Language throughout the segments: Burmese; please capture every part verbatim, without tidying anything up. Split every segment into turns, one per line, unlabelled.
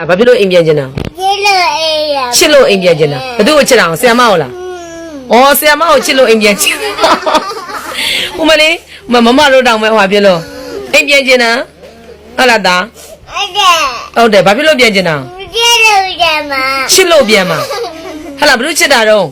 ဘာဖြစ်လို့အိမ်ပြန်ကျင်တာချစ်လို့အိမ်ပြန်ကျင်တာဘသူ့ကိုချစ်တာဆရာမဟုတ်လားဩဆရာမကိုချစ်လို့အိမ်ပြန်ကျင်ဟိုမလေးမမတို့တောင်မဲ့ဟိုဟာပြလို့အိမ်ပြန်ကျင်တာဟုတ်လားသားဟုတ်တယ်ဘာဖြစ်လို့ပြန်ကျင်တာချစ်လို့ပြန်မှာဟဲ့လားဘသူ့ချစ်တာတော့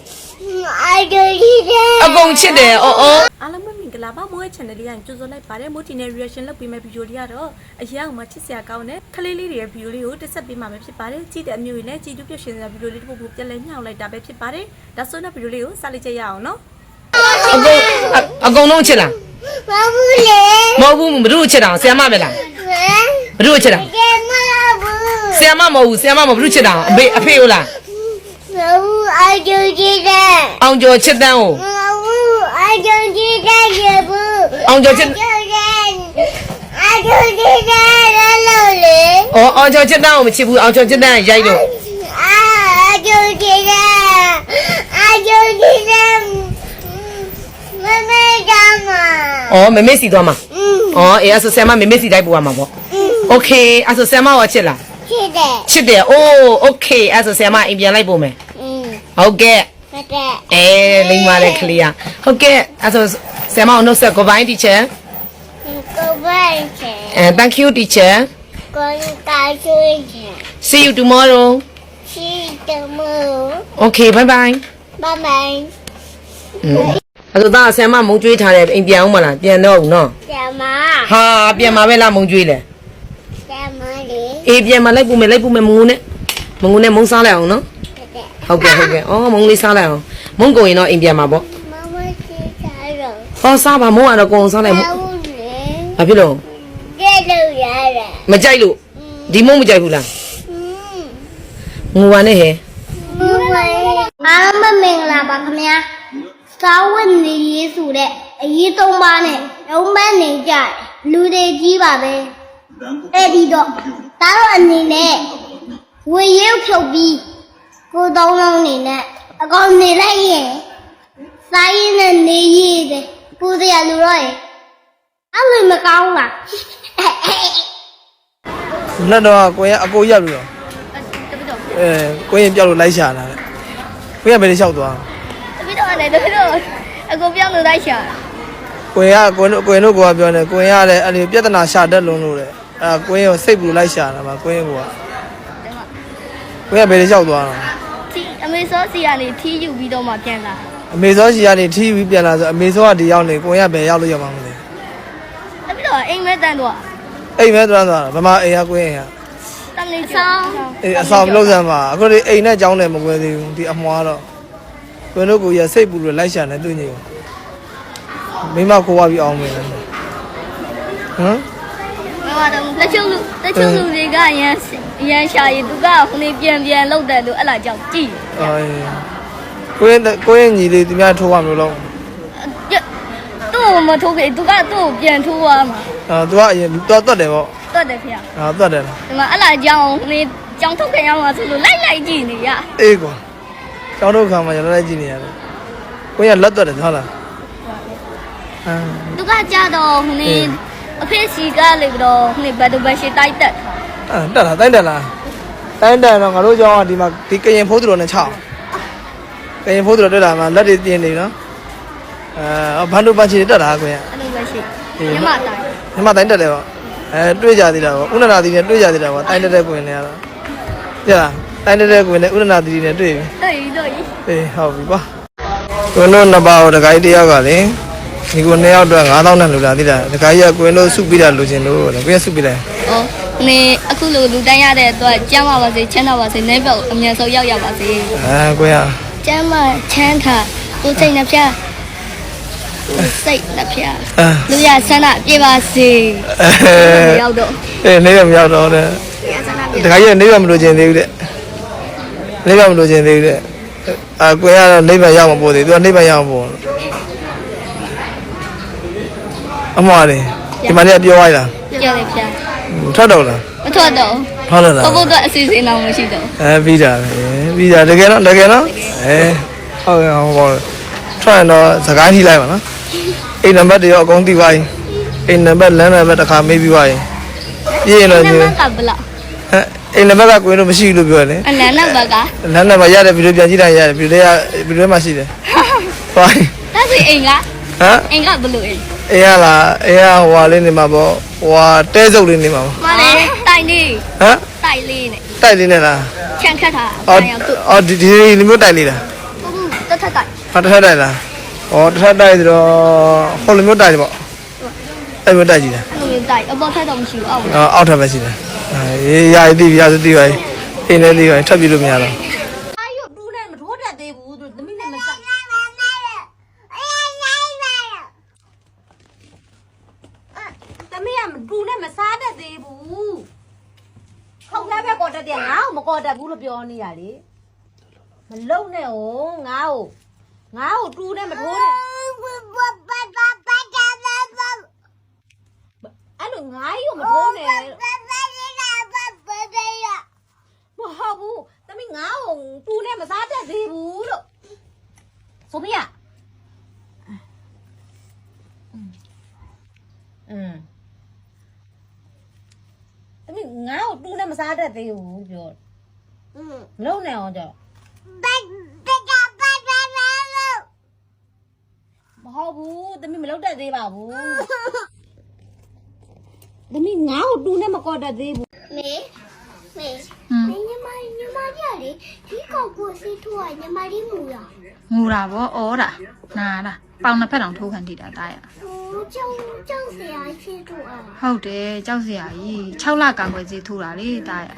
အကုန်ချစ်တယ်အော်အော်
အားလုံးပဲမင်္ဂလာပါမိုးရဲ့ channel လေးကကြိုဆိုလိုက်ပါတယ်မိုးတီနဲ့ reaction လုပ်ပေးမယ့် video လေးကတော့အရင်ကမှချစ်စရာကောင်းတဲ့ခလေးလေးတွေရဲ့ video လေးကိုတက်ဆက်ပေးမှာပဲဖြစ်ပါတယ်ကြည့်တဲ့အမျိုးတွေနဲ့ကြည့်တူပြည့်ရှင်စရာ video လေးတစ်ပုဒ်ပုဒ်ပြက်လဲညှောက်လိုက်တာပဲဖြစ်ပါတယ်ဒါဆိုတော့ video လေးကိုစလိုက်ကြရအောင်နော်
အကုန်အကုန်လုံးချစ်လားမဟုတ်ဘူးလေမဟုတ်ဘူးဘသူ့ချစ်တာဆရာမပဲလားဘသူ့ချစ်တာဆရာမမဟုတ်ဘူးဆရာမမဟုတ်ဘူးဘသူ့ချစ်တာအဖေအဖေဟုတ်လားအောင်ကျော်ချစ်တဲ့အောင်ကျော်ချစ်တဲ့ကိုအောင်ကျော်ချစ်တဲ့ရေဘူးအောင်ကျော်ချစ်အောင်ကျော်ချစ်တဲ့လို့လေအော်အောင်ကျော်ချစ်တဲ့ကိုမချစ်ဘူးအောင်ကျော်ချစ်တဲ့ရိုက်လို့အောင်ကျော်ချစ်တဲ့အောင်ကျော်ချစ်တဲ့မမေကြောင့်မအော်မမေစီသွားမှာအော်အေးအဲ့ဆိုဆရာမမမေစီတိုက်ပို့ရမှာပေါ့โอเคအဲ့ဆိုဆရာမရောချစ်လားချစ်တယ်ချစ်တယ်အိုးโอเคအဲ့ဆိုဆရာမအိမ်ပြန်လိုက်ပို့မယ်ဟုတ်ကဲ့ဟုတ်ကဲ့အေးလိမ့်ပါလေခလေးဟုတ်ကဲ့အဲ့ဆိုဆရာမအောင်နှုတ်ဆက် goodbye teacher goodbye teacher and thank you teacher goodbye teacher see you tomorrow see you tomorrow okay bye bye bye bye အဲ့ဆိုသားဆရာမမုံကျွေးထားတယ်အိမ်ပြန်အောင်မလားပြန်တော့ဘူးနော်ပြန်မဟာပြန်มาပဲလားမုံကျွေးလေပြန်မလေအေးပြန်มาလိုက်ပို့မယ်လိုက်ပို့မယ်မုံနဲ့မုံနဲ့မုံစားလိုက်အောင်နော်ဟုတ်ကဲ့ဟုတ်ကဲ့အော်မုံလေးစားလိုက်အောင်မုံကုန်ရင်တော့အိမ်ပြန်မှာပေါ့မမစီစားတော့ဟောစားပါမုံကတော့ကုန်စားလိုက်မုံဘာဖြစ်လို့ကြိုက်လို့ရတယ်မကြိုက်လို့ဒီမုံမကြိုက်ဘူးလားငူပါနဲ့ဟဲ့ငူပါအားမမင်္ဂလာပါခင်ဗျာစာဝတ်နေရေးဆိုတဲ့အရေးသုံးပါးနဲ့လုံးမနေကြလူတွေကြီးပါပဲအဲ့ဒီတော့တားတော့အနေနဲ့ဝေရုပ်ဖြုတ်ပြီးကိုသုံးလုံးနေနဲ့အကောင်နေလိုက်ရင်စားရင်းနဲ့နေရည်တယ်ပူစရာလူတော့ရင်အဲ့လိုမကောင်းလား
လက်တော့ကိုရင်အကိုရက်လို့ရောအဲကိုရင်ပြောက်လို့လိုက်ရှာလာတယ်ကိုရင်ဘယ်လိုလျှောက်သွား
တပိတော့လည်းတပိတော့အကိုပြောက်လို့လိုက်ရှာ
ကိုရင်ကကိုရင်ကိုရင်တို့ကပြောနေကိုရင်ကလည်းအဲ့ဒီပြဿနာရှာတတ်လုံးလို့လေအဲကိုရင်ကိုစိတ်ဘူးလိုက်ရှာတာပါကိုရင်ကကိုရင်ဘယ်လိုလျှောက်သွားတာ
အမေစောစီကနေထီးယူပြီးတော့မှပြန်လာ
အမေစောစီကနေထီးပြီးပြန်လာဆိုအမေစောကဒီရောက်နေကိုရင်ကဘယ်ရောက်လို့ရောက်မှာမလဲ
တပိတော့အိမ်မဲတန်းတော့
အိမ်မဲတန်းသွားဗမာအိမ်ကကိုရင်က
တန်လေးဆောင်
အေးအဆောင်လုံးစမ်းပါအခုဒီအိမ်နဲ့ကြောင်းတယ်မကွဲသေးဘူးဒီအမွားတော့ကိုရင်တို့ကိုရစိတ်ပူလို့လိုက်ရှာနေတွေ့နေမိမကိုဝပြီးအောင်မယ်ဟမ်
မမတော့လက်ချုံလူလက်ချုံလူတွေကရန်ရန်ရှာရင်သူကခုနေပြန်ပြန်လောက်တယ်လို့အဲ့လာကြောက်ကြည့်
အေးကိုရင်ကိုရင်ညီလေးသူများထိုးရမလို့လုံး
သူ့မထိုးခဲ့သူကသူ့ကိုပြန်ထိုးရမှာ
အာသူကအရင်တော့တွတ်တယ်ပေါ့
တွတ်တယ်ဖေ
။အာတွတ်တယ်
။ဒီမှာအဲ့လာကြောင်းနေကြောင်းထုတ်ခင်ရောက်မှာဆိုလို့လိုက်လိုက်ကြည့်နေရ
။အေးကွာ။ကြောင်းထုတ်ခံမှာကျွန်တော်လိုက်ကြည့်နေရတယ်။ကိုရလက်တွတ်တယ်ဟုတ်လား။အာ
သူကကြတော့ဟိုနေအဖေစီကလေပြီးတော့ဟိုနေဘတ်တူဘတ်ရှိတိုက်တက်
။အာတက်လားတိုက်တက်လား။တိုက်တက်တော့ငါတို့ကြောင်းကဒီမှာဒီကရင်ဖိုးသူတော်နဲ့ချောင်း။ကရင်ဖိုးသူတော်တက်လာမှလက်တွေတင်းနေနော်။အာဘတ်တူဘတ်ရှိတက်တာကိုရ
။အဲ့လိုပဲရှိ။ညမတိုင်း
။ညမတိုင်းတက်တယ်ပေါ့။အဲတွေ့ကြသေးတာပေါ့ဥနနာသီနဲ့တွေ့ကြသေးတာပေါ့တိုင်းတက်တဲ့ကွင်နဲ့ကတော့ကြလားတိုင်းတက်တဲ့ကွင်နဲ့ဥနနာသီနဲ့တွေ့ပြီ
တွေ့ပြီတွေ့ပြီ
အေးဟုတ်ပြီပါကွင်တို့နှစ်ပါးကိုတခိုင်းတယောက်ကလေဒီကိုနှစ်ယောက်တော့ငါးသောင်းနဲ့လူလာသေးတာတခိုင်းရကွင်တို့စုပြီးတာလူချင်းလို့လေကွင်စုပြီးတယ်
ဩနေအခုလိုလူတိုင်းရတဲ့အတွက်ကျမ်းပါပါစေချမ်းသာပါစေနေပေါ့အမြန်ဆုံးရောက်ရပါစေ
အဲကွင်ရ
ကျမ်းမချမ်းသာကိုစိတ်နှပြစိတ်နှပြလူရဆန္ဒပြေပါစေရောက်တော့
အေးနေရမရောက်တော့တဲ့တခါကြီးနေရမလို့ခြင်းသေးဘူးတဲ့နေရမလို့ခြင်းသေးဘူးတဲ့အာကိုရတော့နေပါရောက်မပို့သေးသူကနေပါရောက်မပို့အမွားလေဒီမှာလည်းပြောလိုက်လား
ပြောတယ်ဗျာ
ထွက်တော့လား
မထွက်တော့
ဟုတ်လား
ဘဘကအစီအစဉ်တော့မရှိတော့
အဲပြီးတာပဲပြီးတာတကယ်တော့တကယ်တော့အဲဟုတ်ကဲ့ဟောထွက်ရင်တော့စကားထိလိုက်ပါနော်အိမ်နံပါတ်တွေရောအကုန်သိပါရင်အိမ်နံပါတ်လမ်းနံပါတ်တစ်ခါမေးပြီးပါရင်ပြည့်ရင်တော့
နံပါတ်ကဘလောက်
ဟဲ့အိမ်နံပါတ်ကကိုရင်တို့မရှိဘူးလို့ပြောတယ်
အနန္နဘက
လမ်းနံပါတ်ရတယ်ဗီဒီယိုပြန်ကြည့်တိုင်းရတယ်ဗီဒီယိုဗီဒီယိုမှာရှိတယ်ဟို
ဒါဆိုအိမ်က
ဟမ်
အိမ်ကဘလို့အိမ်
အေးရလားအေးရဟိုဟာလေးနေမှာပေါ့ဟိုဟာတဲစုပ်လေးနေမှာပေါ့
မလေးတိုင်လေး
ဟမ်
တိုင်လေးနဲ့
တိုက်လေးနဲ့လား
ချန်ခတ်တာ
အော်
အောင်သူ့
အော်ဒီဒီလိုမျိုးတိုက်လေးလား
ဟုတ်တက်ထက်တိုင်
ဟာတစ်ထပ်တိုက်လားဩတစ်ထပ်တိုက်ဆိုတော့ဟိုလိုမျိုးတိုက်တယ်ပေါ့အဲ့မျိုးတိုက်ကြည့်တယ်
လူတိုင်အပေါ်ထက်တော့မရှိဘူးအောက်
အော်အောက်ထပ်ပဲရှိတယ်အေးရာတီးရာတီးပါအိမ်ထဲတီးပါထပ်ပြီးလို့မရတော့
အာယုတူးနဲ့မထိုးတတ်သေးဘူးသူသမီးနဲ့မစသမီးကတူနဲ့မစားတတ်သေးဘူးခေါင်းသားပဲကော်တတ်တယ်ငါ့ကိုမကော်တတ်ဘူးလို့ပြောနေရလေမလုံနဲ့ဟိုငါ့ကိုငါ့ကိုတူနဲ့မထိုးနဲ့အဲ့လိုငါ့ကိုမထိုးနဲ့မဟုတ်ဘူးသမီးငါ့ကိုတူနဲ့မစားတတ်သေးဘူးလို့ဆိုမရอืมသမီးငါ့ကိုတူနဲ့မစားတတ်သေးဘူးပြောမလုံနဲ့အောင်ကြောမဟုတ်ဘူးသမီးမလုံတတ်သေးပါဘူးသမီးငါ့ကိုတူနဲ့မကော်တတ်သေးဘူး
မေမေမေညီမညီမကြလေဒီကောက်ကိုစီးထိုးရညီမလေးမူရ
ငူတာဗောဩတာနာတာပေါင်နှစ်ဖက်တောင်ထိုးခံထိတာတာရ
ဟိုကြောင်ကြောင်ဆရာရှိထိုးอ่ะ
ဟုတ်တယ်ကြောက်စရာကြီး၆လကာကွယ်စီထိုးတာလေတာရ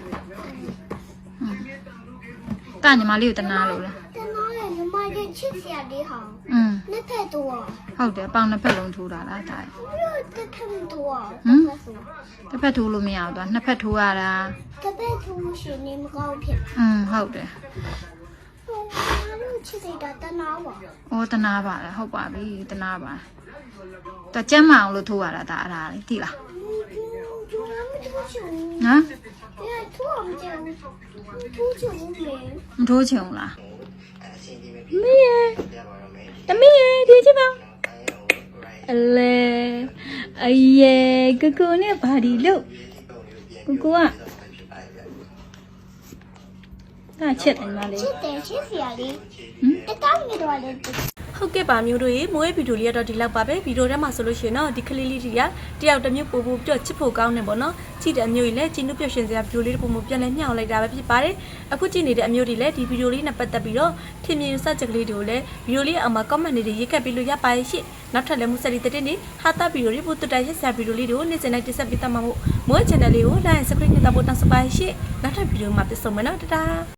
တာညီမလေးကိုတနာလို့လား
တနာရညီမလေးချစ်ဆရာလေးဟာ
อืม
နှစ်ဖက်တော့
ဟုတ်တယ်ပေါင်နှစ်ဖက်လုံးထိုးတာလားတာရ
ဘယ်တက်ထမ်းတော့
တစ်ဖက်ထိုးလို့မရဘူးသွားနှစ်ဖက်ထိုးရတာ
တပည့်သူရှင်နေမကောင်းဖြစ်
อืมဟုတ်တယ်
ဟိုလူချစ်တဲ့တနာပါ
ဩတနာပါလားဟုတ်ပါပြီတနာပါတော့ကျမ်းမအောင်လို့ထိုးရတာဒါအဲ့ဒါလေသိလား
ကျူနာမထိုးချင်
နော်
ဘူးအဲထိုးအောင်ကျန်ထိုးချင်ဘူးလေ
မထိုးချင်ဘူးလားမီးရဲ့တမီးရဲ့ဒီချစ်ပါအလေအယေကိုကိုနဲ့ဘာဒီလို့ကိုကိုကဒါချက်တယ်မလေး
ချစ်တယ်ချစ်ဆရာလေးတကောင်းနေတော့လေ
ဟုတ်ကဲ့ပါမျိုးတို့ရေမိုးရဲ့ဗီဒီယိုလေးကတော့ဒီလောက်ပါပဲဗီဒီယိုထဲမှာဆိုလို့ရှိရင်တော့ဒီကလေးလေးတွေကတယောက်တစ်မျိုးပို့ပို့ပြချစ်ဖို့ကောင်းနေပေါ့နော်ကြည့်တဲ့အမျိုးကြီးလည်းကြည်နုပြရှင်စရာဗီဒီယိုလေးတွေပုံပုံပြန်လဲမျှောက်လိုက်တာပဲဖြစ်ပါတယ်အခုကြည့်နေတဲ့အမျိုးတွေလည်းဒီဗီဒီယိုလေးနဲ့ပတ်သက်ပြီးတော့ထင်မြင်စချက်ကလေးတွေကိုလည်းဗီဒီယိုလေးအောက်မှာ comment တွေရေးခဲ့ပြီးလို့ရပါရဲ့ရှင့်နောက်ထပ်လည်းမှုဆက်လီတဲ့နေ့ဟာတာဗီဒီယိုလေးပို့တူတိုက်ရက်စရာဗီဒီယိုလေးတွေကိုနေ့စဉ်တိုင်းတင်ဆက်ပေးတတ်မှာမို့မိုး channel လေးကို like subscribe နဲ့တော့ပို့တောင်းစပါရှင့်နောက်ထပ်ဗီဒီယိုမှာပြန်ဆုံမယ်နော်တတာ